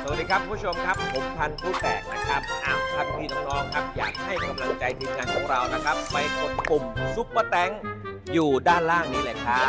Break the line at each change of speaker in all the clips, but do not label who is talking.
สวัสดีครับผู้ชมครับผมพันธุ์ผู้แตกนะครับท่านพี่น้องๆครับอยากให้กำลังใจทีมงานของเรานะครับไปกดปุ่มซุปเปอร์แตงอยู่ด้านล่างนี้เลยครับ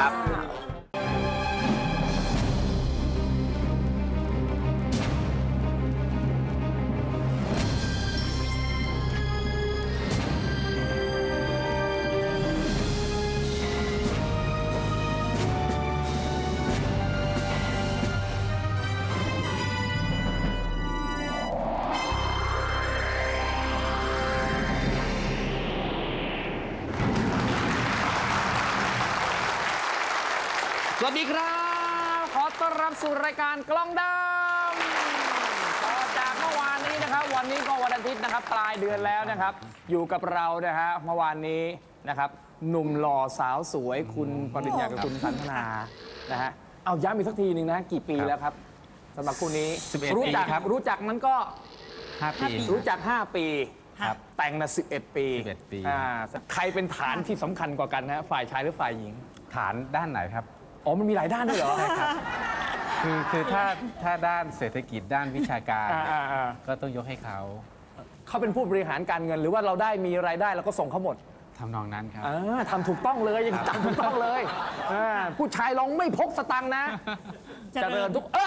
สวัสดีครับขอต้อนรับสู่รายการกล้องดำต่อจากเมื่อวานนี้นะครับวันนี้ก็วันอาทิตย์นะครับปลายเดือนแล้วนะครับอยู่กับเรานะฮะเมื่อวานนี้นะครับหนุ่มหล่อสาวสวยคุณปริญญากับคุณสันทนานะฮะเอาย้ำอีกสักทีหนึ่งนะกี่ปีแล้วครับสำหรับคู่นี้
11
รู้จัก
ปีครับ
รู้จักนั้นก็
5 ปี
รู้จัก 5 ปี
ครับ
แต่งมา11 ปี
11 ปี
ใครเป็นฐานที่สำคัญกว่ากันนะฝ่ายชายหรือฝ่ายหญิง
ฐานด้านไหนครับ
อ๋อมันมีหลายด้านด้วยเหรอ
คือถ้าด้านเศรษฐกิจด้านวิชาการเนี่ย
อ่า
ก็ต้องยกให้เขา
เขาเป็นผู้บริหารการเงินหรือว่าเราได้มีรายได้แล้วก็ส่งเขาหมด
ทำนองนั้นครับ
ทำถูกต้องเลยยังทำถูกต้องเลยผู้ชายลองไม่พกสตังค์นะเจริญทุก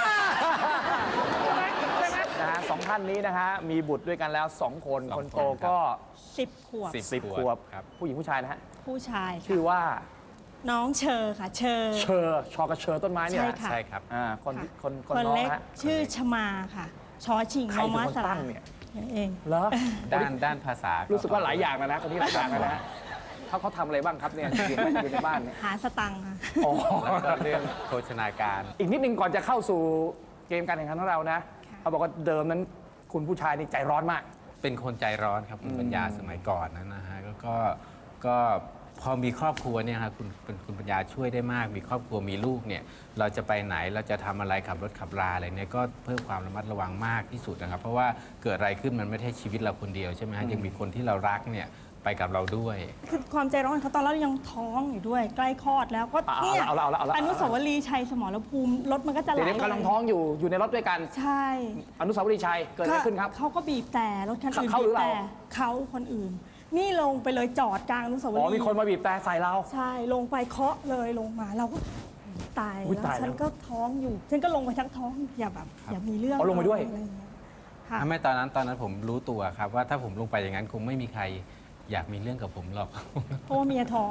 นะฮะสองท่านนี้นะฮะมีบุตรด้วยกันแล้ว 2 คน
2
คนโต
คนครับ
ก็
10 ขวบ
10 ขวบ
ครับ
ผู้หญิงผู้ชายนะฮะ
ผู้ชาย
ชื่อ
ค่ะ
ว่า
น้องเชอค่ะ เชอ
เชอชอกระเชอต้นไม้เนี่ย
ใช่
นะ
ค่ะ
ใช่ครับ
คน
ค่ะ
คน
คน
น้อง
เล็ก
ฮะ
ชื่อชมาค่ะ ชอชิง
ใคร
มอ
เป็น
มา
คน
ส
ตั้
ระ
งเนี่ย
นั่นเอง
เหรอ
ด้านภาษา
รู้
รู้
สึกว่าหลายอย่างนะคนนี้หลายอย่างนะฮะเขาทำอะไรบ้างครับเนี่ยอยู่ในบ้านเนี่ย
หาสตังค์ค่ะ
อ๋อ
แล้วก็เรื่องโภชนาการ
อีกนิดนึงก่อนจะเข้าสู่เกมการแข่งขันของเรานะ
ค่ะ
เขาบอกว่าเดิมนั้นคุณผู้ชายนี่ใจร้อนมาก
เป็นคนใจร้อนครับคุณปัญญาสมัยก่อนนั้นนะฮะก็พอมีครอบครัวเนี่ยครับคุณปัญญาช่วยได้มาก มีครอบครัวมีลูกเนี่ยเราจะไปไหนเราจะทำอะไรขับรถขับราอะไรเนี่ยก็เพิ่มความระมัดระวังมากที่สุดนะครับ เพราะว่าเกิดอะไรขึ้นมันไม่ใช่ชีวิตเราคนเดียวใช่ไหมฮะยังมีคนที่เรารักเนี่ยไปกับเราด้วย
คือความใจร้อนของเขาตอนเรายังท้องอยู่ด้วย ใกล้คลอดแล้วก็
เอา
เนี่ย
เอาละ
อนุสาวรีย์ชัยสมรภูมิรถมันก็จะไหล
เดี๋ยวนี้กำลังท้องอยู่ในรถด้วยกัน
ใช่
อนุสาวรีย์ชัยเกิดอะไรขึ้นครับ
เขาก็บีบแต่รถคันอื่น
เขาหรือ
บีบแต่
เรา
เขาคนอื่น นี่ลงไปเลยจอดกลางอนุสาวรี
อ๋อ
ย์
มีคนมาบีบแต่ใส่เรา
ใช่ลงไปเคาะเลยลงมาเราก็ตาย
อุ๊ย
แล้ว
ตายแล้ว
ฉันก็ท้องอยู่ฉันก็ลงไปทั้งท้องอย่าแบบอย่ามีเรื่อง
อ๋อลงไปด้วย
อะไรอย่างเงี้ยค่ะ
ไม่ตอนนั้นผมรู้ตัวครับว่าถ้าผมลงไปอย่างนั้นคงไม่มีใครอยากมีเรื่องกับผมหรอก
เพราะว่าเมียท้อง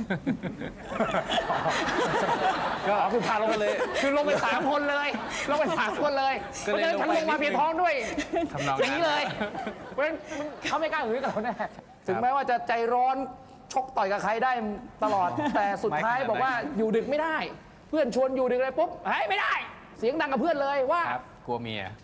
ก็คือพาลงไปเลย คือลงไป3 คนเลยลงไป3 คนเลย
ก็เลย
พราะฉะนั้นฉันลงมา
ลงไปนิดนึง
เพียงท้องด้วย
ทำนอง
อย่าง
นั้
นี้
น
เลยเพราะฉะนั้นเขาไม่กล้าหือกับเราแน่ถึงแม้ว่าจะใจร้อนชกต่อยกับใครได้ตลอด แต่สุดท้ายบอกว่าอยู่ดึกไม่ได้ เพื่อนชวนอยู่ดึกเลยปุ๊บเฮ้ยไม่ได้ เสียงดังกับเพื่อนเลยว่า
ครับกลัวเมีย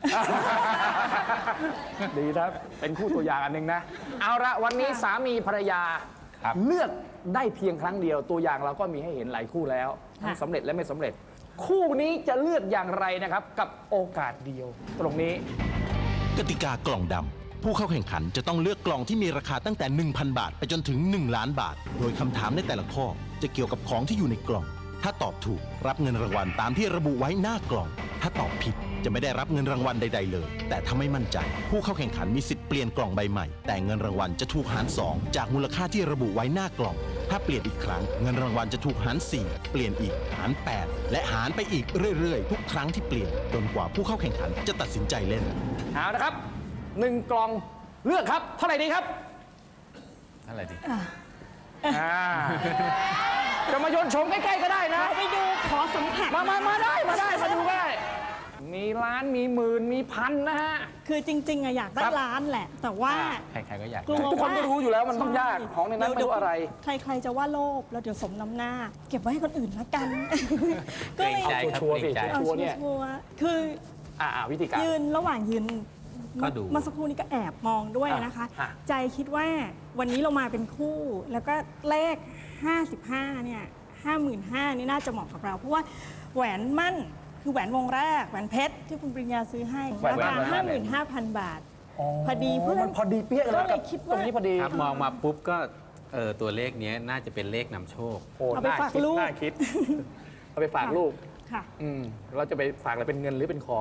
ดีครับเป็นคู่ตัวอย่างอันหนึ่งนะ เอาละวันนี้สามีภรรยา
ครับ
เลือกได้เพียงครั้งเดียวตัวอย่างเราก็มีให้เห็นหลายคู่แล้วทั้งสำเร็จและไม่สำเร็จ คู่นี้จะเลือกอย่างไรนะครับ กับโอกาสเดียว ตรงนี้
กติกากล่องดำ ผู้เข้าแข่งขันจะต้องเลือกกล่องที่มีราคาตั้งแต่ 1,000 บาท ไปจนถึง 1 ล้านบาท โดยคำถามในแต่ละข้อจะเกี่ยวกับของที่อยู่ในกล่อง ถ้าตอบถูกรับเงินรางวัลตามที่ระบุไว้หน้ากล่อง ถ้าตอบผิดจะไม่ได้รับเงินรางวัลใดๆเลย แต่ถ้าไม่มั่นใจ ผู้เข้าแข่งขันมีสิทธิ์เปลี่ยนกล่องใบใหม่ แต่เงินรางวัลจะถูกหาร 2 จากมูลค่าที่ระบุไว้หน้ากล่อง ถ้าเปลี่ยนอีกครั้งเงินรางวัลจะถูกหาร 4 เปลี่ยนอีกหาร 8 และหารไปอีกเรื่อยๆ ทุกครั้งที่เปลี่ยนจนกว่าผู้เข้าแข่งขันจะตัดสินใจเล่น
เอาละครับ1 กล่องเลือกครับ เท่าไหร่ดีครับ
เท่าไหร่ดี
อ่าจะมาโยนชมใกล้ๆก็ได้นะ
ไปดูขอสัมผัส
มาได้มาดูได้มีล้านมีหมื่นมีพันนะฮะ
คือจริงๆอะอยากได้
ครับ
ร้านแหละ แต่ว่า
ใครๆก็อยาก
กลัว
ได้
ทุกคนก็รู้อยู่แล้วมันต้องยากของในนั้นไม่รู้อะไร
ใครๆจะว่าโลภแล้วเดี๋ยวสมน้ำหน้า เก็บไว้ให้คนอื่นละกัน
เกรงใจครับ
ชัวร์ๆ
เกรงใจ
สิ
เอา
ชัวร์เนี่ย
ชัวร์ๆคือ
วิธีการ
ยืนระหว่างยืน
ก็ดู
เมื่อสักครู่นี้ก็แอบมองด้วยนะคะ
อ่ะ
ใจคิดว่าวันนี้เรามาเป็นคู่ แล้วก็เลข 55 เนี่ย 55,000นี่น่าจะเหมาะกับเรา เพราะว่าแหวนมั่นคือแหวนวงแรก แหวนเพชรที่คุณปริญญาซื้อให้
แหวน
รา
แหวน
คา
แหวน
55,000 บาท พอดีเพื่อน
มันพอดีเปี้ยเลย
ก็เลย
กับ
คิด
ตร
ว่า
งนี้พอดี
ครับมองมาปุ๊บก็ตัวเลขเนี้ยน่าจะเป็นเลขนำโชค
โอ้
เอาไปฝากลูก
น่าคิดเอาไปฝากลูก
ค่ะ
เราจะไปฝากอะไรเป็นเงินหรือเป็นของ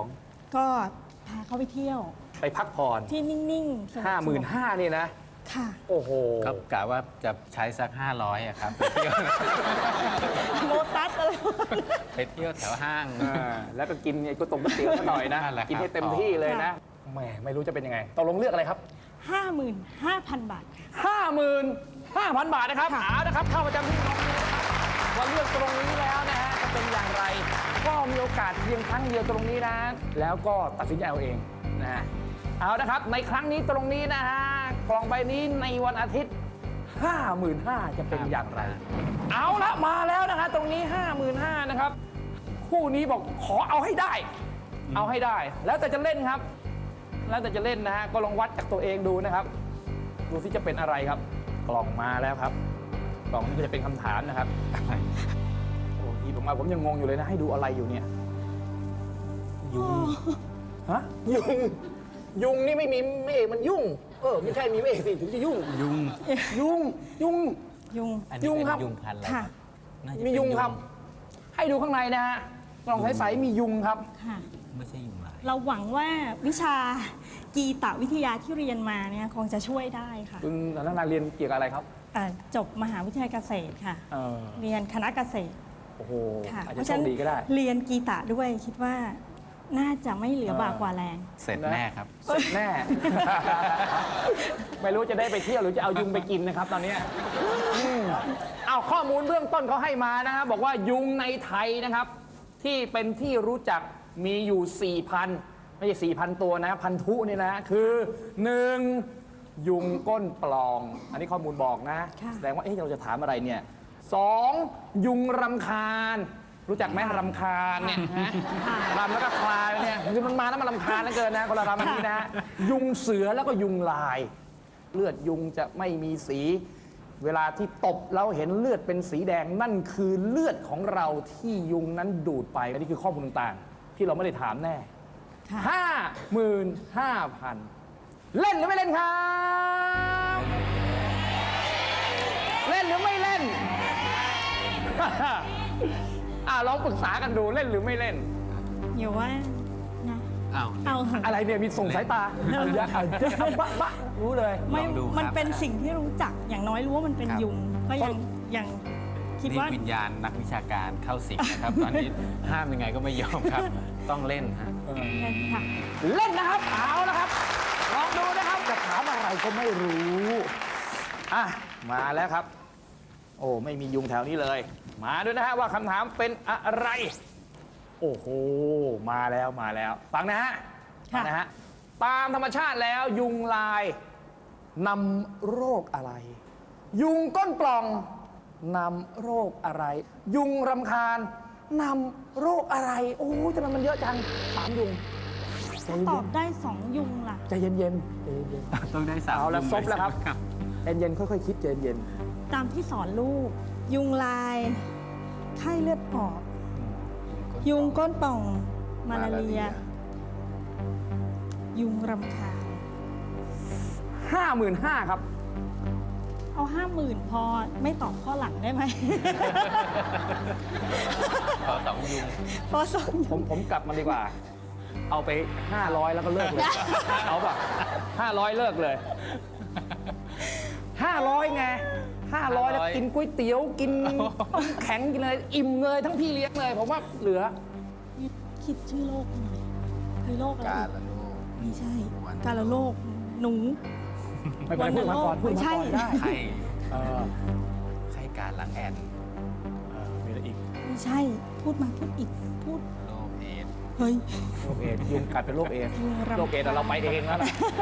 ก็พาเขาไปเที่ยว
ไปพักผ่อน
ที่นิ่งๆสงบ
55,000นี่นะ
ค่ะ
โอ้โห
ก็กะว่าจะใช้สัก 500อะครับ
โลตัสอะไร
ไปเที่ยวแถวห้าง
แล้วก็กินไอ้ก๋วยเตี๋ยวซะหน่อยนะ
นั่นแหละครับ
กินให้เต็มที่เลยนะแหมไม่รู้จะเป็นยังไงตกลงเลือกอะไรครับ
55,000 บาท
55,000 บาทนะครับเอานะครับเข้าประจำที่ตรงนี้นะครับว่าเลือกตรงนี้แล้วนะฮะจะเป็นอย่างไร ก็มีโอกาสเพียงครั้งเดียวตรงนี้นะ แล้วก็ตัดสินใจเอาเองนะฮะเอานะครับในครั้งนี้ตรงนี้นะฮะกล่องใบนี้ในวันอาทิตย์ 55,000จะเป็นอย่างไร เอาละมาแล้วนะฮะตรงนี้ 55,000นะครับคู่นี้บอกขอเอาให้ได้ เอาให้ได้ แล้วแต่จะเล่นครับ แล้วแต่จะเล่นนะฮะก็ลองวัดจากตัวเองดูนะครับ ดูสิจะเป็นอะไรครับ กล่องมาแล้วครับ กล่องนี้ก็จะเป็นคำถามนะครับโอ้ยผมมาผมยังงงอยู่เลยนะ ให้ดูอะไรอยู่เนี่ยยุงฮะยุงนี่ไม่มีเมฆมันยุ่งไม่ใช่มีเมฆสิถึงจะยุ่ง
ยุง
ยุง
ยุง
อันนี้
ยุง
เป็น
ครับ
ยุงพันธุ์อะไร
ค่ะ
น่าจะ
มี
เป็น
ยุงครับ ให้ดูข้างในนะฮะกล่องใสๆมียุงครับ
ค่ะ
ไม่ใช่ยุงลาย
เราหวังว่าวิชากีตวิทยาที่เรียนมาเนี่ยคงจะช่วยได้ค่ะ
คุณนันนาเรียนเกี่ยวกับอะไรครับ
จบมหาวิทยาลัยเกษตรค่ะ
เออ
เรียนคณะเกษตร
โอ้โห
ค่ะ
อาจ
เพ
จะ
ราะ
โช
ฉะ
ค
นั้น
ดีก็ได้
เรียนกีตด้วยคิดว่าน่าจะไม่เหลือบากกว่าแรง
เสร็จแน่ครับ
เสร็จแน่ ไม่รู้จะได้ไปเที่ยวหรือจะเอายุงไปกินนะครับ ตอนนี้เอาข้อมูลเบื้องต้นเขาให้มานะครับบอกว่ายุงในไทยนะครับ ที่เป็นที่รู้จักมีอยู่ 4,000 ไม่ใช่ 4,000 ตัวนะพันธุนี่นะคือ 1. ยุงก้นปล่อง อันนี้ข้อมูลบอกนะ
ค่ะ
แสดงว่าเราจะถามอะไรเนี่ย 2. ยุงรำคาญ รู้จักไหมรำคาญเนี่ยฮะรำแล้วก็คลายเนี่ยคือมันมาแล้วมันรำคาญเหลือเกินนะคนละรำอันนี้นะ ยุงเสือแล้วก็ยุงลาย เลือดยุงจะไม่มีสี เวลาที่ตบเราเห็นเลือดเป็นสีแดงนั่นคือเลือดของเราที่ยุงนั้นดูดไป อันนี้คือข้อมูลต่างๆ ที่เราไม่ได้ถามแน่
ค่ะ
55,000 เล่นหรือไม่เล่นครับ เล่นหรือไม่เล่น ลองปรึกษากันดูเล่นหรือไม่เล่น
อยู่ว่านะ
อ้าว
เอาเถอะ
อะไรเนี่ยมีส่งสายตาบะบะรู้เลย
ไม่
ลองดูครับ
มันเป็นสิ่งที่รู้จักอย่างน้อยรู้ว่ามันเป็น
ครับ
ยุงก็ยังคิด
นี่
ว่า
วิญญาณนักวิชาการเข้าสิงนะครับ ตอนนี้ห้ามยังไงก็ไม่ยอมครับ ต้องเล่นฮะ
ค่ะ
เล่นนะครับ เอาละครับ ลองดูนะครับจะถามอะไรก็ไม่รู้มาแล้วครับ โอ้ไม่มียุงแถวนี้เลย มาด้วยนะฮะว่าคำถามเป็นอะไร โอ้โหมาแล้วฟังนะฮะ
ค่ะ
นะฮะตามธรรมชาติแล้วยุงลายนำโรคอะไร ยุงก้นปล่องนำโรคอะไร ยุงรำคาญนำโรคอะไร โอ้ยทำไมมันเยอะจัง3 ยุง
ตอบได้ 2 ยุงล่ะ
ใจเย็นๆใจเย็น
ต้องได้สาม
เอาละ
ยุง
ซบแล้วครับ
ใช่ไหม
ๆใจเย็นๆค่อยๆคิดใจเย็น
ตามที่สอนลูก ยุงลาย ไข้เลือดออก ยุงก้นป่อง มาลาเรีย ยุงรำคาญ
55,000ครับ
เอา 50,000 พอไม่ตอบข้อหลังได้ไหม
ขอสองยุง
พอสอง
ผมกลับมาดีกว่า เอาไป 500 แล้วก็เลิกเลย เอาป่ะ500 เลิกเลย 500 ไง 500 แล้วกินก๋วยเตี๋ยวกินแข็งกินอะไรอิ่มเลยทั้งพี่เลี้ยงเลย ผมว่าเหลือ
คิดชื่อโรคหน่อยคือโรคอะไร
กา
อีก
ละลูก
ไม่ใช่
วัน
กาลโรคหนู
ไม่เป็นไรพูดมาก่อนพูดมาก่อนได้
ไข้
เออ
ไข้การหลังแอน
มีอะไรอีก
ไม่ใช่ พูดมาพูดอีก พูด
โรคเอดส์
เฮ้ย
โรคเอดส์ยุงกัดเป็นโรคเอดส์
ยุงรำคาญ
โรคเอดส์เราไปเองแล้วนะ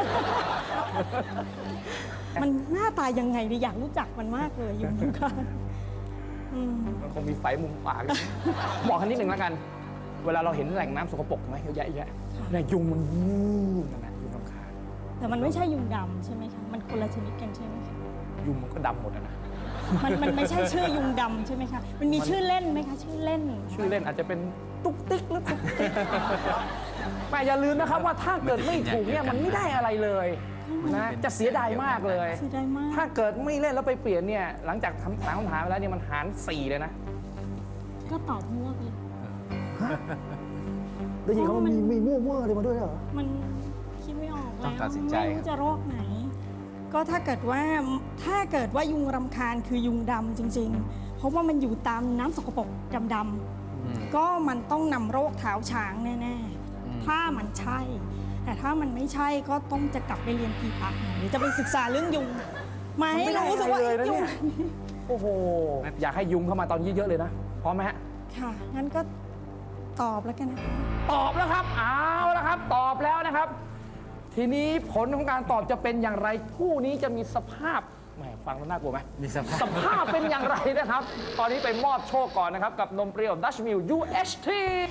มันหน้าตายังไงดิอยากรู้จักมันมากเลยยุงรำคาญอืม
มันคงมีไฟมุมปากอยู่บอกกันนิดหนึ่งแล้วกัน เวลาเราเห็นแหล่งน้ำสกปรกไหมเยอะแยะเนี่ยยุงมันวูบนั่นแหละยุงรำคาญ
แต่มันไม่ใช่ยุงดำใช่ไหมคะ มันคนละชนิดกันใช่ไหมคะ
ยุงมันก็ดำหมดอะนะ
มันไม่ใช่ชื่อยุงดำใช่ไหมคะ มันมีชื่อเล่นไหมคะ ชื่อเล่น
ชื่อเล่นอาจจะเป็นตุ๊กติ๊กหรือตุ๊กติ๊กแต่อย่าลืมนะครับว่าถ้าเกิดไม่ถูกเนี่ยมันไม่ได้อะไรเลยนะจะเสียดายมากเลย
เสียดายมาก
ถ้าเกิดไม่เล่นแล้วไปเปลี่ยนเนี่ยหลังจากถามคำถามไปแล้วเนี่ยมันหาร 4 เลยนะ
ก็ตอบมั่วไปเลย
ได้ยินเขาว่ามีมั่วๆอะไรมาด้วยเหรอ
มันคิดไม่ออก
ต้
แล้
อง
ว
ตัดสินใจ
ไม่รู้จะโรคไหน ก็ถ้าเกิดว่ายุงรำคาญคือยุงดำจริง ๆ เพราะว่ามันอยู่ตามน้ำสกปรกดำๆก็มันต้องนำโรคเท้าช้างแน่ๆถ้ามันใช่ แต่ถ้ามันไม่ใช่ก็ต้องจะกลับไปเรียนพีพักหรือจะไปศึกษาเรื่องยุงมาให้รู้สึกว่า
เลยนะ
ยุ
เนี่
ง
ย โอ้โห อยากให้ยุงเข้ามาตอนนี้เยอะๆเลยนะ พร้อมไหมฮะ
ค่ะงั้นก็ตอบแล้วกันนะคะ
ตอบแล้วครับ เอาแล้วครับ ตอบแล้วนะครับ ทีนี้ผลของการตอบจะเป็นอย่างไร คู่นี้จะมีสภาพแหมฟังแล้วน่ากลัวไหม
มีสภาพ
สภาพเป็นอย่างไรนะครับ ตอนนี้ไปมอบโชคก่อนนะครับ กับนมเปรี้ยว Dutch Mill UHT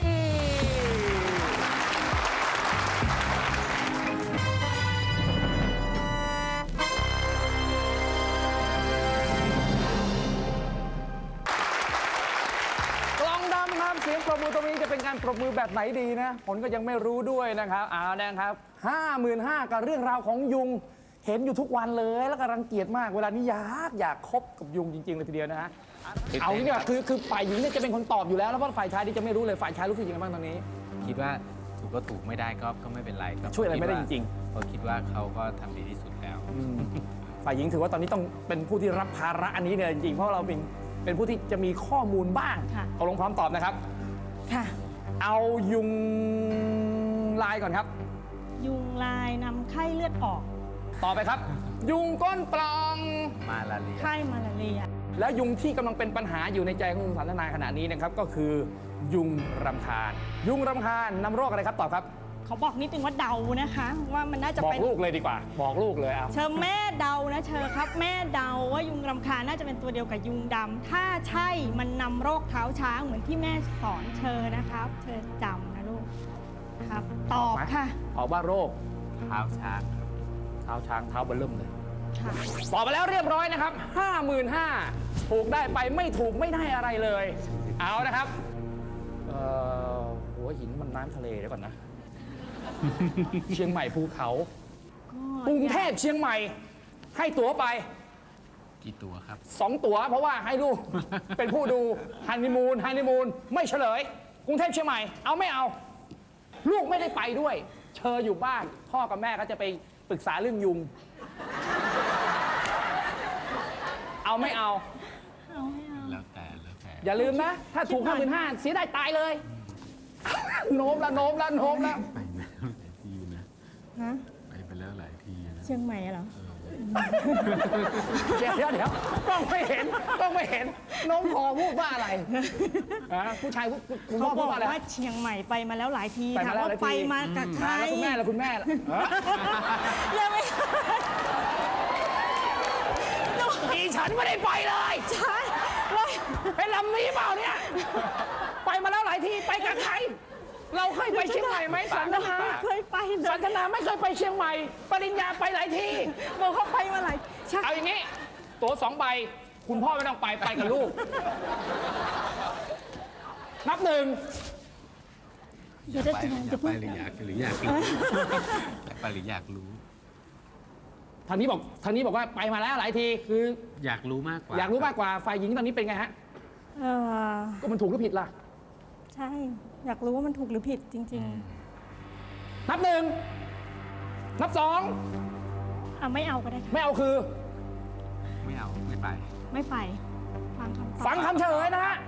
กล่องดำครับเสียงปรบมือตรงนี้จะเป็นการปรบมือแบบไหนดีนะผลก็ยังไม่รู้ด้วยนะครับเอานะครับ 55,000กับเรื่องราวของยุง เห็นอยู่ทุกวันเลยแล้วก็รังเกียจมากเวลานี้อยากคบกับยุงจริงๆเลยทีเดียวนะฮะเอางี้เนี่ยคือฝ่ายหญิงเนี่ยจะเป็นคนตอบอยู่แล้วแล้วเพราะฝ่ายชายที่จะไม่รู้เลยฝ่ายชายรู้สึกยังไงบ้างตอนนี้
คิดว่าถูกก็ถูกไม่ได้ก็ไม่เป็นไรก็
ช่วยอะไรไม่ได้จริง
เพราะคิดว่าเขาก็ทำดีที่สุดแล้ว
ฝ่ายหญิงถือว่าตอนนี้ต้องเป็นผู้ที่รับภาระอันนี้เนี่ยจริงๆเพราะเราเป็นผู้ที่จะมีข้อมูลบ้าง
ค่ะ
ตกลงพร้อมตอบนะครับ
ค่ะ
เอายุงลายก่อนครับ
ยุงลายนำไข้เลือดออก
ต่อไปครับ ยุงก้นปล่อง
มาลาเรีย
ไข้มาลาเรีย
และยุงที่กำลังเป็นปัญหาอยู่ในใจของคุณสันทนาขณะนี้นะครับก็คือยุงรำคาญ ยุงรำคาญนำโรคอะไรครับตอบครับ
เขาบอกนิดนึงว่าเดานะคะ ว่ามันน่าจะ
บอก
เป็น
ลูกเลยดีกว่า บอกลูกเลยเอา
เชอแม่เดานะเชอครับ แม่เดาว่ายุงรำคาญน่าจะเป็นตัวเดียวกับยุงดำถ้าใช่มันนำโรคเท้าช้างเหมือนที่แม่สอนเชอนะครับเชอจำนะลูกครับ ตอบค่ะ
ตอบว่าโรค
เท้าช้างครับ
เท้าช้างเท้าเบลเริ่มเลย
ค่ะ
ตอบไปแล้วเรียบร้อยนะครับ 55,000ถูกได้ไปไม่ถูกไม่ได้อะไรเลย เอานะครับหัวหินมันน้ำทะเลเดี๋ยวก่อนนะ เชียงใหม่ภูเขากรุงเทพเชียงใหม่ ให้ตั๋วไป
กี่ตัวครับ
2 ตั๋วเพราะว่าให้ลูก เป็นผู้ดูฮันนีมูนไม่เฉลย กรุงเทพเชียงใหม่เอาไม่เอา ลูกไม่ได้ไปด้วย เชออยู่บ้าน พ่อกับแม่ก็จะไปปรึกษาเรื่องยุง เอาไม่เอา
แล้วแต่
อย่าลืมนะ ถ้าถูก 55,000เสียได้ตายเลย โน้มแล้ว
ไปแล้วหลายที่นะ
ฮะ
ไปแล้วหลายที่นะ
เชียงใหม่เหรอ
เดี๋ยวต้องไม่เห็น น้องพอพูดว่าอะไรฮะผู้ชายคุณ
เขา
พ่อ
บ
พูด
อก
ว่าอะไร
ว่าเชียงใหม่ไปมาแล้วหลายที
ไป
ถาม
มาแล้ว
ว่า
หลายที
ไปมากับใคร
แล้วคุณแม่ล่ะ
ยังไม่
อีฉันไม่ได้ไปเลย
ใช่เลย
เป็นลำนี้เปล่าเนี่ย ไปมาแล้วหลายทีไปกับใคร เราเคยไปเชียงใหม่ไหมสันทนา
เคยไปเล
สั
ย
นทนาไม่เคยไปเชียงใหม่ ปริญญาไปหลายที
บอกเขาไปมาหลายใช่
เอาอย่างนี้ ตั๋ว2 ใบ คุณพ่อไม่ต้องไปกับลูก นับ 1
เดี๋ยวจะ
ไป
จะพูด
หรืออยากรู้อยากไปหรืออยากรู้
ทางนี้บอกว่าไปมาแล้วหลายทีคือ
อยากรู้มากกว่า
อยากรู้มากกว่าฝ่ายหญิงตอนนี้เป็นไงฮะ ก็มันถูกหรือผิดล่ะ
ใช่ อยากรู้ว่ามันถูกหรือผิดจริง
นับ 1 นับ
ๆไม่เอาก็ได้
2
ค่ะ
ไม่เอาคือ
ไม่เอาไม่ไป
ไม่ไป ฟังคำตอบ
ฟังคำเฉลยนะฮะ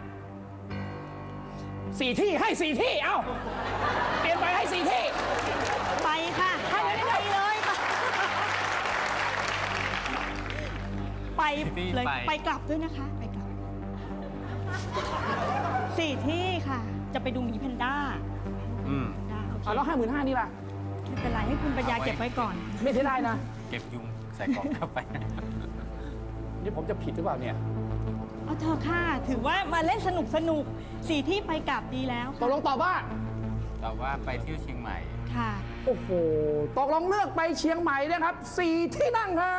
4 ที่ให้ 4 ที่ เอ้า เปลี่ยนไปให้ 4 ที่
ไปค่ะ
ให้เลย
ไปเลยค่ะไป
ที่
เลย
ไป
ไปกลับด้วยนะคะ ไปกลับ 4 ที่ค่ะ จะไปดูหมีแพนด้า
อืม
ได้โอเค
เอาแล้ว55,000นี่ล่ะ
ไม่เป็นไรให้คุณปัญญาเก็บไว้ก่อน
ไม่ได้นะ
เก็บยุงใส่กล่องเข้าไป
นี่ผมจะผิดหรือเปล่าเนี่ย
เอาเถอะค่ะ ถือว่ามาเล่นสนุก 4 ที่ไปกลับดีแล้ว
ตกลงตอบว่า
แต่ว่าไปเที่ยวเชียงใหม่
ค่ะ
โอ้โห ตกลงเลือกไปเชียงใหม่นะครับ 4 ที่นั่งครับ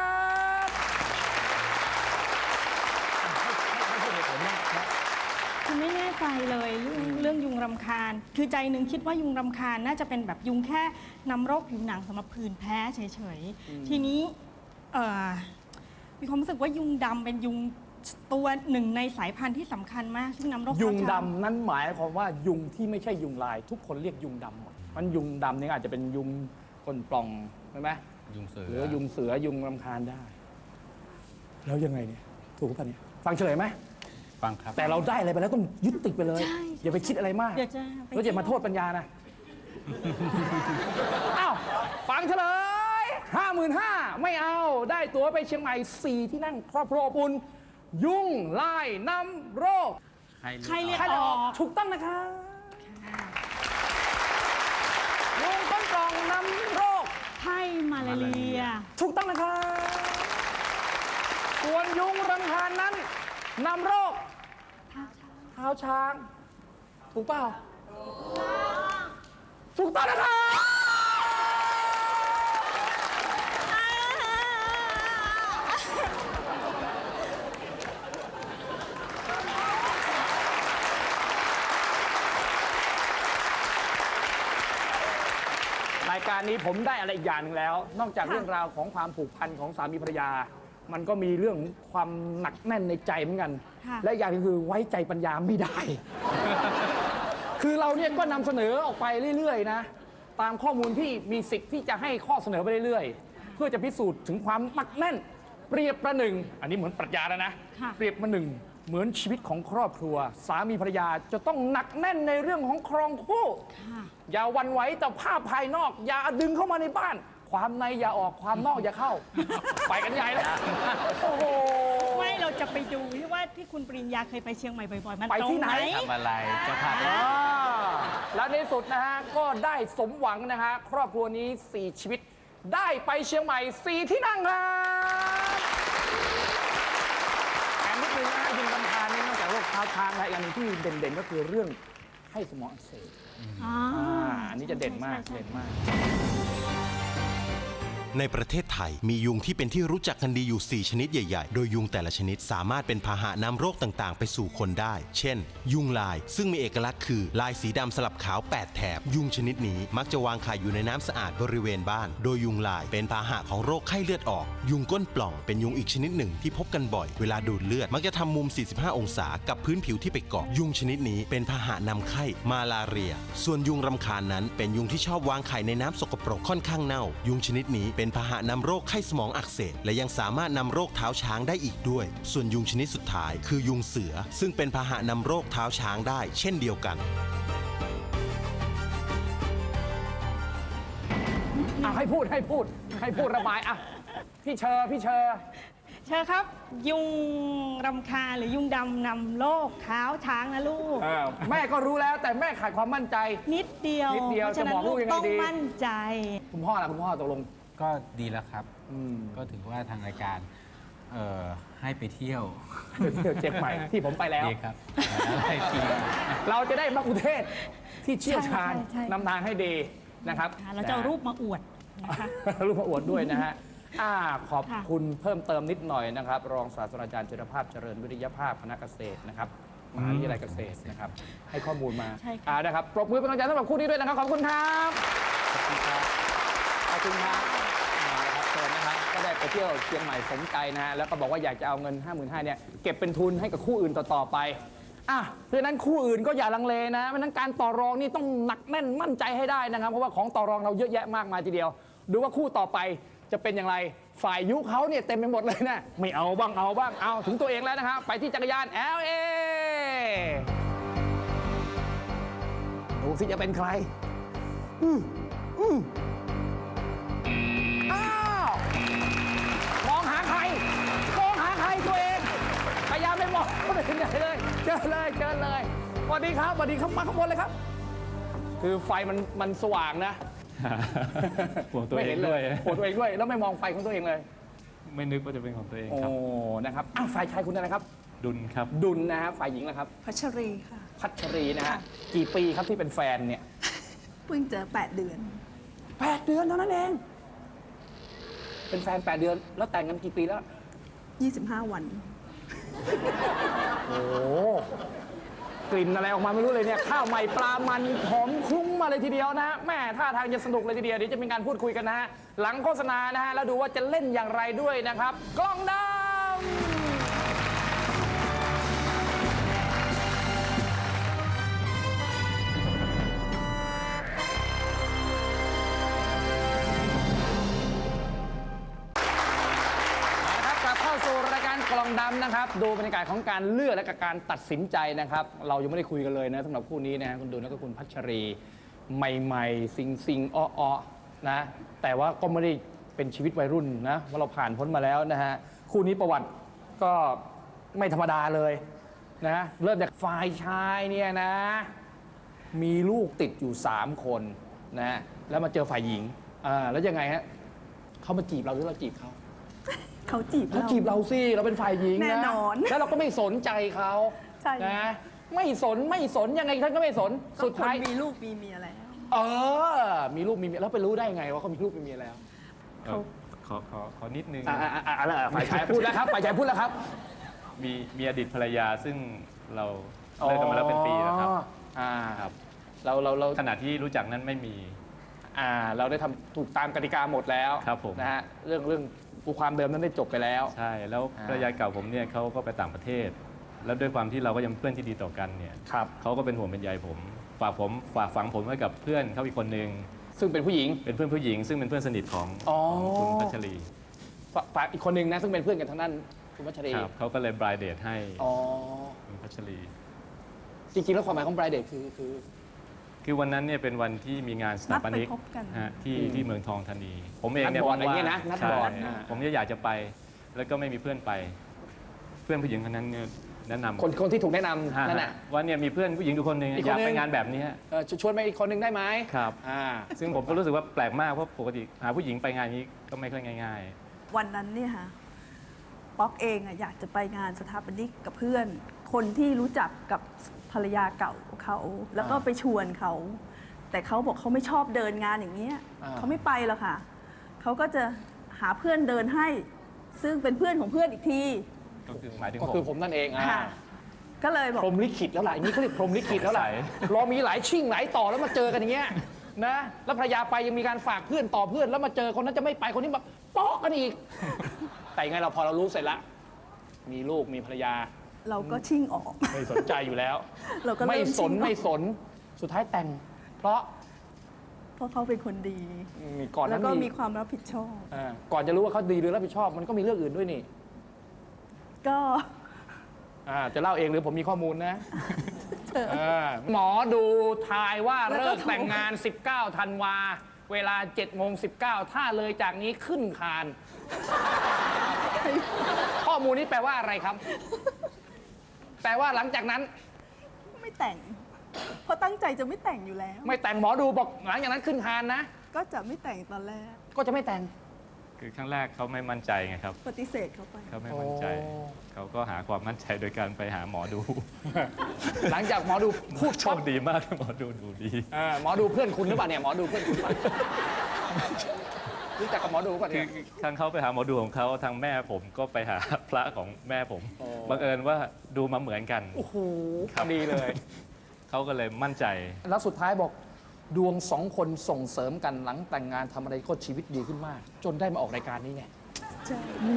คือไม่แน่ใจเลยเรื่องยุงรำคาญ คือใจหนึ่งคิดว่ายุงรำคาญน่าจะเป็นแบบยุงแค่นำโรคผิวหนังสำหรับผื่นแพ้เฉยๆ ทีนี้มีความรู้สึกว่ายุงดำเป็นยุงตัวหนึ่งในสายพันธุ์ที่สำคัญมากซึ่งนำโรค
ยุง
เท้าช้าง
ดำนั้นหมายความว่ายุงที่ไม่ใช่ยุงลาย ทุกคนเรียกยุงดำหมดมันยุงดำนี่อาจจะเป็นยุงก้นปล่องใช่ไหม
ยุงเสื
หรือยุงเสือยุงรำคาญได้ แล้วยังไงเนี่ยถูกป่ะเนี่ยฟังเฉลยไหม
ฟังครับ
แต่เราได้อะไรไปแล้วต้องยึดติดไปเลย
ใช่
อย่าไปคิดอะไรมาก
เดี๋ยวจะไป
แล้วอย่ามาโทษปัญญานะ อ้าวฟังเฉลย 55,000ไม่เอาได้ตั๋วไปเชียงใหม่ 4 ที่นั่งครอบครัวอบอุ่นยุงลายนำโรค
ใครเรียก
ใคร
อ
จะ
อ
ออก
ก
ถูกต้องนะคะยุงก้นกล่องนำโรค
ไข้มาลาเรีย
ถูกต้องนะคะส่วนยุงรำคาญนั้นนำโรคเท้าช้าง ถูกเปล่าถูกต้องนะคะ รายการนี้ผมได้อะไรอีกอย่างหนึ่งแล้ว นอกจากเรื่องราวของความผูกพันของสามีภรรยา มันก็มีเรื่องความหนักแน่นในใจเหมือนกัน
ค่ะ
และอีกอย่างหนึงคือไว้ใจปัญญาไม่ได้ คือเราเนี่ยก็นำเสนอออกไปเรื่อยๆนะ ตามข้อมูลที่มีสิทธิ์ที่จะให้ข้อเสนอไปเรื่อยๆ เพื่อจะพิสูจน์ถึงความหนักแน่น เปรียบประหนึ่ง อันนี้เหมือนปรัชญาแล้วนะ
ค่ะ
เปรียบประหนึ่งเหมือนชีวิตของครอบครัว สามีภรรยาจะต้องหนักแน่นในเรื่องของครองคู่
ค่ะ
อย่าหวันไหวต่อภาพภายนอก อย่าดึงเข้ามาในบ้าน ความในอย่าออกความนอกอย่าเข้า ไปกันใหญ่เลยโอ้โห
ไม่เราจะไปดูที่ว่าที่คุณปริญญาเคยไปเชียงใหม่บ่อยๆ มัน
ไป
ตรง
ที่ไหน
ทำอะไรเจะพาไป
อ่าแล้วในที่สุดนะฮะ ก็ได้สมหวังนะฮะ ครอบครัวนี้ 4 ชีวิต ได้ไปเชียงใหม่ 4 ที่นั่งครับแถมนิดนึงนะฮะยิงกำพานนี่นอกจากโรคเท้าช้างแล้วอีกอันหนึงที่เด่นๆก็คือเรื่องไข้สมองอักเสบ
อ๋อ
อันนี้จะเด่นมาก
ใช่
เด่นมาก
ในประเทศไทยมียุงที่เป็นที่รู้จักกันดีอยู่ 4 ชนิดใหญ่ๆ โดยยุงแต่ละชนิดสามารถเป็นพาหะนำโรคต่างๆ ไปสู่คนได้ เช่น ยุงลายซึ่งมีเอกลักษณ์คือลายสีดำสลับขาว 8 แถบ ยุงชนิดนี้มักจะวางไข่อยู่ในน้ำสะอาดบริเวณบ้าน โดยยุงลายเป็นพาหะของโรคไข้เลือดออก ยุงก้นปล่องเป็นยุงอีกชนิดหนึ่งที่พบกันบ่อย เวลาดูดเลือดมักจะทำมุม 45 องศากับพื้นผิวที่ไปเกาะ ยุงชนิดนี้เป็นพาหะนำไข้มาลาเรีย ส่วนยุงรำคาญนั้นเป็นยุงที่ชอบวางไข่ในน้ำสกปรกค่อนข้างเน่า ยุงชนิดนี้เป็นพาหะนำโรคไข้สมองอักเสบและยังสามารถนำโรคเท้าช้างได้อีกด้วย ส่วนยุงชนิดสุดท้ายคือยุงเสือซึ่งเป็นพาหะนำโรคเท้าช้างได้เช่นเดียวกัน
ให้พูดระบายอ่ะพี่เชอร์
เชิญครับ ยุงรำคาญหรือยุงดำนำโรคเท้าช้างนะลูก
แม่ก็รู้แล้วแต่แม่ขาดความมั่นใจ
นิดเดียว
นิดเดียว
เพราะฉะนั้
จะบอน กลู
ลู
ก
ก
ยังไง
ต้อง
ดี
มั่นใจ
คุณพ่อล่ะคุณพ่อตกลง
ก็ดีแล้วครับ ก็ถือว่าทางรายการให้ไปเที่ยว
เที่ยวเชียงใหม่ที่ผมไปแล้ว
ดีครับอะไรที
เราจะได้มักคุเทศก์ที่เชี่ยวชาญ
ใช่
นำทางให้ดีนะครับ
เราจะเอารูปมาอวดนะคะ
รูปมาอวดด้วยนะฮะขอบ
ค่ะ
คุณเพิ่มเติมนิดหน่อยนะครับ รองศาสตราจารย์จิรภาพเจริญวิทยาภาพคณะเกษตรนะครับมหาวิทยาลัยเกษตรนะครับ ให้ข้อมูลมา
ใช่ค่ะ
นะครับปรบมือเป็นกำลังใจสำหรับคู่นี้ด้วยนะครับขอบคุณครับขอบคุณครับขอบคุณครับนะครับเชิญนะครับก็ได้ไปเที่ยวเชียงใหม่สมใจนะฮะแล้วก็บอกว่าอยากจะเอาเงิน 55,000เนี่ยเก็บเป็นทุนให้กับคู่อื่นต่อๆไปเพราะฉะนั้นคู่อื่นก็อย่าลังเลนะเพราะฉะนั้นการต่อรองนี่ต้องหนักแน่นมั่นใจให้ได้นะครับเพราะว่าของต่อรองเราเยอะแยะมากมายทีเดียว ดูว่าคู่ต่อไปจะเป็นอย่างไรฝ่ายยุเขาเนี่ยเต็มไปหมดเลยนะไม่เอาบ้างเอาถึงตัวเองแล้วนะครับไปที่จักรยาน LA ดูสิจะเป็นใครอ้าวมองหาใครตัวเองพยายามไม่มองคนอื่นใหญ่เลยเชิญเลยสวัสดีครับมาข้างบนเลยครับ คือไฟมันสว่างนะ
ห่วงตัวเองด้วย
ห่วงตัวเองด้วย แล้วไม่มองไฟของตัวเองเลย
ไม่นึกว่าจะเป็นของตัวเอง
โอ้
ครับ
นะครับฝ่ายชายคุณอะไรครับ
ดุลครับ
ดุลนะฮะฝ่ายหญิงนะครับ
พัชรีค่ะ
พัชรีนะฮะกี่ปีครับที่เป็นแฟนเนี่ย
เพิ่งเจอ8 เดือน
8 เดือนเท่านั้นเอง เป็นแฟน 8 เดือน แล้วแต่งกันกี่ปีแล้ว
25 วัน
โอ้กลิ่นอะไรออกมาไม่รู้เลยเนี่ยข้าวใหม่ปลามันหอมคลุ้งมาเลยทีเดียวนะแม่ท่าทางจะสนุกเลยทีเดียวเดี๋ยวจะมีการพูดคุยกันนะฮะหลังโฆษณานะฮะแล้วดูว่าจะเล่นอย่างไรด้วยนะครับ กล้องดำดำนะครับ ดูบรรยากาศของการเลือกและการตัดสินใจนะครับ เรายังไม่ได้คุยกันเลยนะสำหรับคู่นี้นะคุณดูแล้วก็คุณพัชรีใหม่ๆซิงอ้อๆนะแต่ว่าก็ไม่ได้เป็นชีวิตวัยรุ่นนะว่าเราผ่านพ้นมาแล้วนะฮะคู่นี้ประวัติก็ไม่ธรรมดาเลยนะเริ่มจากฝ่ายชายเนี่ยนะมีลูกติดอยู่3คนนะแล้วมาเจอฝ่ายหญิงแล้วยังไงฮะเขามาจีบเราหรือเราจีบเขา
เขาจีบ
เขาจีบเราสิเราเป็นฝ่ายหญิงนะ
แน่นอน
แล้วเราก็ไม่สนใจเขา
ใช่
นะไม่สนยังไงท่านก็ไม่สนสุดท้าย
ก็คนมีลูกมีเมียแล้ว
มีลูกมีเมียแล้วไปรู้ได้ไงว่าเขามีลูกมีเมียแล้ว
ขอนิดนึง
ฝ่ายชายพูดแล้วครับฝ่ายชายพูดแล้วครับ
มีอดีตภรรยาซึ่งเราเลิกกันมาแล้วเป็นปีแล้วครับ
ครับเรา
ขณะที่รู้จักนั้นไม่มี
เราได้ทำถูกตามกติกาหมดแล้ว
ครับผม
นะฮะเรื่องความเดิมนั้นได้จบไปแล้ว
ใช่แล้วภรรยาเก่าผมเนี่ยเขาก็ไปต่างประเทศ แล้วด้วยความที่เราก็ยังเพื่อนที่ดีต่อกันเนี่ย
ครับ
เขาก็เป็นห่วงเป็นใยผมฝากฝังผมไว้กับเพื่อนเขาอีกคนนึง
ซึ่งเป็นผู้หญิง
เป็นเพื่อนผู้หญิง ซึ่งเป็นเพื่อนสนิทของคุณพัชรี
ฝากอีกคนนึงนะซึ่งเป็นเพื่อนกันทั้งนั้นคุณพัชรี
ครับเขาก็เลยบรายเดทให้
อ๋อ
คุณพัชรี
จริงๆแล้วความหมายของ bride date คือ
วันนั้นเนี่ยเป็นวันที่มีงานสถาปนิก
นัดไปพบกัน
ฮะที่เมืองทองธานี ผมเองเนี่ย
นัดบอร์ดอะไร
ว่าง
เงี้ยนะนัด
ใช่
บอร์ด
ผมจะอยากจะไป แล้วก็ไม่มีเพื่อนไป เพื่อนผู้หญิงคนนั้นเนี่ยแนะนำ
คนที่ถูกแนะนำ
ฮะ
นั่นแหละ
ว่าเนี่ยมีเพื่อนผู้หญิงทุกคนหนึ่ง
อีกคน
อยาก
หนึ่ง
ไปงานแบบนี้
ชวนไปอีกคนหนึ่งได้ไหม
ครับ
อ่า
ซึ่งผมก็รู้สึกว่าแปลกมากเพราะปกติหาผู้หญิงไปงานนี้ก็ไม่ค่อยง่าย
วันนั้นเนี่ยค่ะป๊อกเองอะอยากจะไปงานสถาปนิกกับเพื่อน คนที่รู้จักกับภรรยาเก่าเขาแล้วก็ไปชวนเขา แต่เขาบอกเขาไม่ชอบเดินงานอย่างเงี้ยเขาไม่ไปหรอกค่ะเขาก็จะหาเพื่อนเดินให้ ซึ่งเป็นเพื่อนของเพื่อนอีกที
ๆ ก็คือหมายถึง
ก็คือผมนั่นเอง
ค่ะก็เลยบอก
พรหมลิขิตแล้วล่ะอย่างนี้เขาเรียกพรหมลิขิตแล้วล่ะ
ใช่
รอมีหลายชิ่งหลายต่อแล้วมาเจอกันอย่างเงี้ยนะแล้วภรรยาไปยังมีการฝากเพื่อนต่อเพื่อนแล้วมาเจอคนนั้นจะไม่ไปคนนี้มาป๊อกกันอีก แต่ยังไงเราพอเรารู้เสร็จละมีลูกมีภรรยา
เราก็ชิ่งออก
ไม่สนใจอยู่แล้ว
เราก็เริ่
ไม่สน
ชิ่งออก
ไม่สนสุดท้ายแต่ง เพราะ
เพราะเขาเป็นคนดี
ก่อน
แล้
นั้
วน ก็มี
มี
ความรับผิดชอบ
ก่อนจะรู้ว่าเขาดีหรือรับผิดชอบ มันก็มีเรื่องอื่นด้วยนี่
ก็
จะเล่าเองหรือผมมีข้อมูลนะหมอดูทายว่าเลิกแต่งงาน 19 ธันวา เวลา 7:19 ถ้าเลยจากนี้ขึ้นคาน ข้อมูลนี้แปลว่าอะไรครับ แปลว่าหลังจากนั้น
ไม่แต่ง เพราะตั้งใจจะไม่แต่งอยู่แล้ว
ไม่แต่งหมอดูบอกหลังจากนั้นขึ้นคานนะ
ก็จะไม่แต่งตอนแรก
ก็จะไม่แต่ง
คือครั้งแรกเขาไม่มั่นใจไงครับ
ปฏิเสธเขาไป
เขาไม่มั่นใจ
โอ้
เขาก็หาความมั่นใจโดยการไปหาหมอดู
หลังจากหมอดูพูด
โช
ชอบ
คดีมากหมอดูดูดี
หมอดูเพื่อนคุณหรือเปล่าเนี่ยหมอดูเพื่อนคุณหรือเปล่ารู้จักกับหมอดูก่อน
คื
เนี่
อย ครั้งเขาไปหาหมอดูของเขาทางแม่ผมก็ไปหาพระของแม่ผม
โอ้
บังเอิญว่าดูมาเหมือนกัน
โอ้โห
ครับ
ดีเลย
เขาก็เลยมั่นใจ
แล้วสุดท้ายบอกดวงสองคนส่งเสริมกันหลังแต่งงานทำอะไรก็ชีวิตดีขึ้นมาก จนได้มาออกรายการนี้ไง
ใช่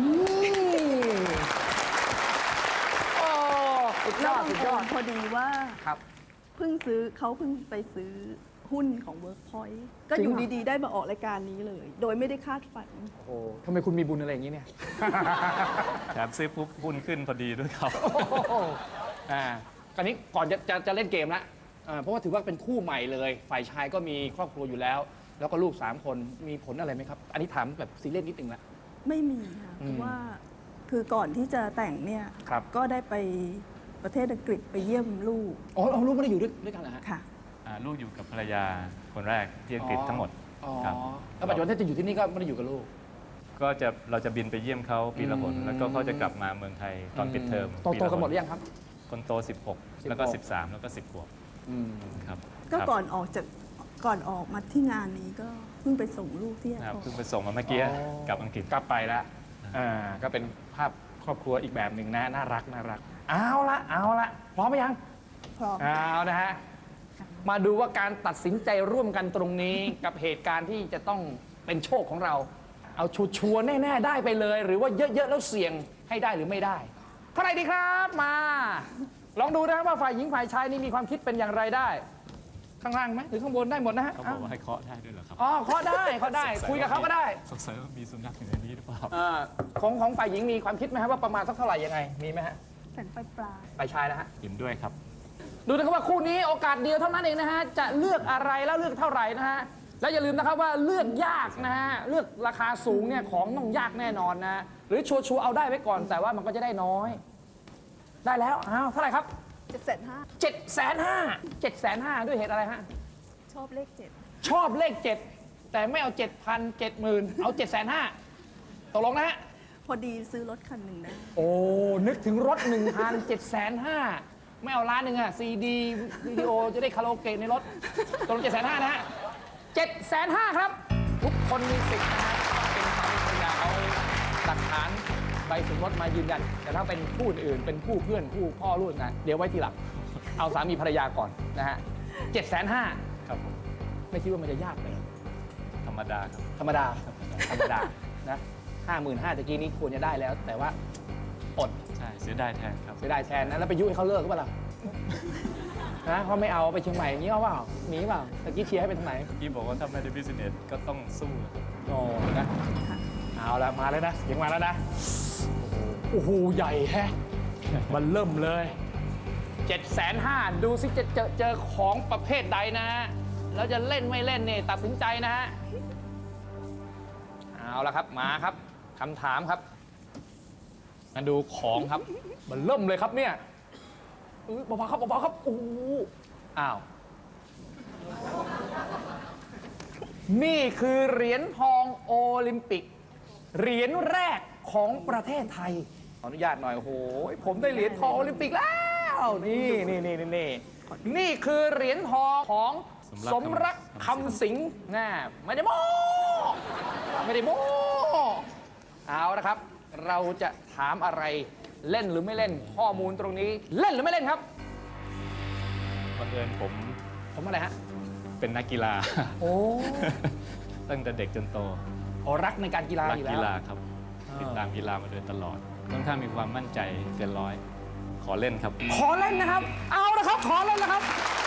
โอ้สุดย
แล้ว
อดสุดยอด
พอดีว่า
ครับ
เพิ่งไปซื้อหุ้นของ Workpoint ก็อยู่
จริงเหรอ
ดีๆ ได้มาออกรายการนี้เลย โดยไม่ได้คาดฝัน
โอ้โหทำไมคุณมีบุญอะไรอย่างนี้เนี่ย
แถมซื้อปุ๊บหุ้นขึ้นพอดีด้วยครับ
คราวนี้ก่อนจะเล่นเกมละเพราะว่าถือว่าเป็นคู่ใหม่เลย ฝ่ายชายก็มีครอบครัวอยู่แล้ว แล้วก็ลูก 3 คนมีผลอะไรไหมครับ อันนี้ถามแบบซีเรียสนิดนึงละ
ไม่มีค่ะเพราะว่าคือก่อนที่จะแต่งเนี่ย
ครับ
ก็ได้ไปประเทศอังกฤษไปเยี่ยมลูก
อ๋อเอาลูกไม่ได้อยู่ด้วยกันเหรอฮะ
ค่ะ
ลูกอยู่กับภรรยาคนแรกที่อังกฤษทั้งหมด
อ๋อ
ครับ
แล้วปัจจุบันถ้าจะอยู่ที่นี่ก็ไม่ได้อยู่กับลูก
เราจะบินไปเยี่ยมเขาปีละหนแล้วก็เขาจะกลับมาเมืองไทยตอนปิดเทอม
โตกันหมดหรือยังครับ
คนโต 16 แล้วก็ 13 แล้วก็ 10 ขวบครับ
ก็
ครับ
ก่อนออกมาที่งานนี้ก็เพิ่งไปส่งลูกที่แอร์
นะครับ
พอร์ต
เพิ่งไปส่งมาเมื่อกี้
อ๋อ
กลับอังกฤษ
กลับไปแล้วก็เป็นภาพครอบครัวอีกแบบหนึ่งนะน่ารักเอาละพร้อมไหมยัง
พร้อม
เอานะฮะมาดูว่าการตัดสินใจร่วมกันตรงนี้ กับเหตุการณ์ที่จะต้องเป็นโชคของเรา เอาชัวร์ๆแน่ๆได้ไปเลย หรือว่าเยอะๆแล้วเสี่ยงให้ได้หรือไม่ได้เท่าไหร่ดีครับมา ลองดูนะครับว่าฝ่ายหญิงฝ่ายชายนี่มีความคิดเป็นอย่างไรได้ข้างล่างไหมหรือข้างบนได้หมดนะฮะ
เขาบอกว่าให้เคาะได้ด้วยเหรอครับ
อ๋อเคาะได้เคาะได้คุยกับเขาก็ได้
สงสัยว่ามีสุนัขอยู่ในนี้หรือเปล่า
ของฝ่ายหญิงมีความคิดไหมครับว่าประมาณสักเท่าไหร่ยังไงมีไหมฮะ
แสนปลาย
ฝ่ายชายนะฮะ
เห็นด้วยครับ
ดูนะครับว่าคู่นี้โอกาสเดียวเท่านั้นเองนะฮะจะเลือกอะไรแล้วเลือกเท่าไหร่นะฮะแล้วอย่าลืมนะครับว่าเลือกยากนะฮะเลือกราคาสูงเนี่ยของต้องยากแน่นอนนะหรือชัวร์ๆเอาได้ไว้ก่อน แต่ว่ามันก็จะได้น้อย ได้แล้วอ้าวเท่าไหร่ครับ
750,000
750,000ด้วยเหตุอะไรฮะ
ชอบเลข
ชอบเลข 7 แต่ไม่เอา 7,000 70,000 เอา 750,000ตกลงนะฮะ
7พอดีซื้อรถคันหนึ่งได้
โอ้ นึกถึงรถ 1,000 750,000ไม่เอาล้านหนึ่งอะซีดีวิดีโอจะได้คาราโอเกะในรถตกลง750,000นะฮะ750,000ครับ ทุกคนมีสิทธิ์นะฮะเป็นสามีภรรยาเอาหลักฐานใบสมรสมายืนยัน แต่ถ้าเป็นคู่อื่นเป็นคู่เพื่อนคู่พ่อลูกนะเดี๋ยวไว้ทีหลังเอาสามีภรรยาก่อนนะฮะ750,000
ครับผม
ไม่คิดว่ามันจะยากเลย
ธรรมดาครับ
ธรรมดานะ55,000ตะกี้นี้ควรจะได้แล้ว แต่ว่าอด
ใช่เสียดายแทนครับ
เสียดายแทนนะแล้วไปยุให้เขาเลิกก็เปล่าล่ะนะเขาไม่เอาไปเชียงใหม่อย่างนี้เอาเปล่าหนีเปล่าตะกี้เชียร์ให้ไปทางไหน
พี่บอกว่าถ้าไม่ได้บิสเนสก็ต้องสู้ครับ
โอ้นะเอาละมาแล้วนะเสียงมาแล้วนะโอ้โหใหญ่แฮะมันเริ่มเลย750,000ดูสิจะเจอของประเภทใดนะฮะแล้วจะเล่นไม่เล่นเนี่ยตัดสินใจนะฮะเอาละครับมาครับคำถามครับมาดูของครับมันเริ่มเลยครับเนี่ยเบาๆครับเบาๆครับโอ้โหอ้าวนี่คือเหรียญทองโอลิมปิกเหรียญแรกของประเทศไทยขออนุญาตหน่อยโอ้โหผมได้เหรียญทองโอลิมปิกแล้วนี่คือเหรียญทองของสมรักคำสิงห์นะไม่ได้โม้เอาละครับ เราจะถามอะไรเล่นหรือไม่เล่นข้อมูลตรงนี้เล่นหรือไม่เล่นครับ
บังเอิญผม
ผมอะไรฮะ
เป็นนักกีฬา
โอ้
ตั้งแต่เด็กจนโต
รักในการกีฬา
รั
อยู่แล้
กี
ว
ฬาครับ ติดตามกีฬามาโดยตลอดค่อนข้างมีความมั่นใจเกินร้อย ขอเล่นครับ
ขอเล่นนะครับ เอาละครับ ขอเล่นนะครับ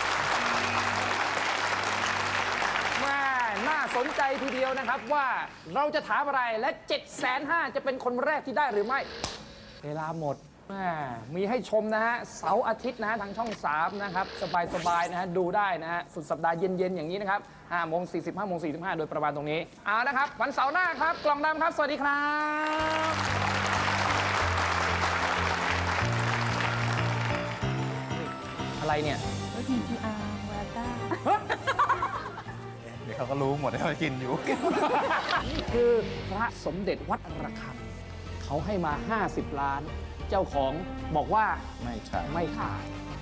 แม่น่าสนใจทีเดียวนะครับว่าเราจะถามอะไรและ 750,000 จะเป็นคนแรกที่ได้หรือไม่ เวลาหมดแม่มีให้ชมนะฮะเสาร์อาทิตย์นะฮะทางช่อง 3 นะครับ สบายๆนะฮะดูได้นะฮะสุดสัปดาห์เย็นๆอย่างนี้นะครับ5:40 5:45 โดยประมาณตรงนี้เอานะครับวันเสาร์หน้าครับ กล่องดำครับ สวัสดีครับอะไรเนี่ย
TGR วาต้า
เดี๋ยวเขาก็รู้หมดว่ากินอยู่
นี่คือพระสมเด็จวัดระฆังเขาให้มา 50 ล้าน เจ้าของบอกว่า
ไม่ใช่
ไม่ขาย